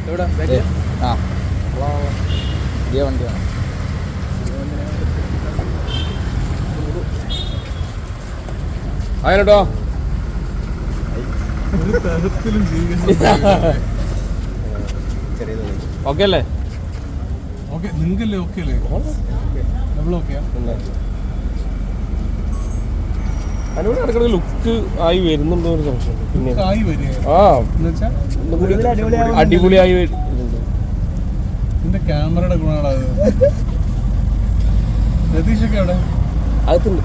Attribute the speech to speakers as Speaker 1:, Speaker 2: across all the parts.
Speaker 1: ആ പുതിയ വണ്ടിയാണ്.
Speaker 2: ആയിട്ടോ ഓക്കെ അല്ലേ?
Speaker 3: നിങ്ങൾക്കല്ലേ ഓക്കെ അല്ലേ? നമ്മൾ ഓക്കെയാ?
Speaker 2: അതിനോട് ഇടയ്ക്കിടയ്ക്ക് ലുക്ക് ആയി വരുന്നുണ്ടോ ഒരു സംശയം. പിന്നെ അടിപൊളിയായി വരുന്നുണ്ട്.
Speaker 3: നിന്റെ ക്യാമറയുടെ ഗുണമാണ് അത്. രതീഷൊക്കെ അവിടെ
Speaker 2: അകത്തുണ്ട്.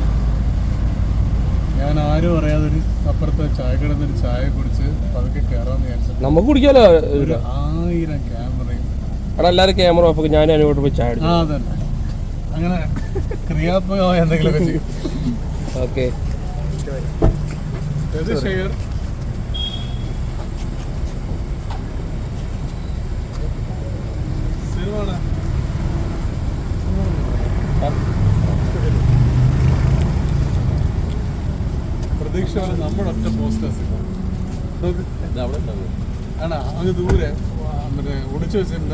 Speaker 3: ഞാൻ ആരും അറിയാതൊരു അപ്പുറത്തെ ചായ കിടന്നൊരു ചായ കുടിച്ച് പതുക്കെ കയറാന്ന് വിചാരിച്ചു.
Speaker 2: നമുക്ക് കുടിക്കാലോ.
Speaker 3: 1000 ക്യാമറയും
Speaker 2: അവിടെ എല്ലാവരും ക്യാമറ ഓഫ് ആക്കി. ഞാനും അതിനോട്ട് പോയി ചായ
Speaker 3: ആ അതന്നെ. അങ്ങനെ ക്രിയാത്മകമായ എന്തെങ്കിലുമൊക്കെ ചെയ്യും.
Speaker 2: ഓക്കെ
Speaker 3: പ്രതീക്ഷ പോലെ നമ്മുടെ ഒറ്റ പോസ്റ്റേഴ്സ് ആണോ? അങ്ങ് ദൂരെ മറ്റേ ഒടിച്ചു വെച്ചിട്ടുണ്ട്.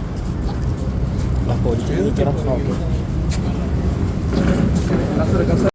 Speaker 2: ഓക്കെ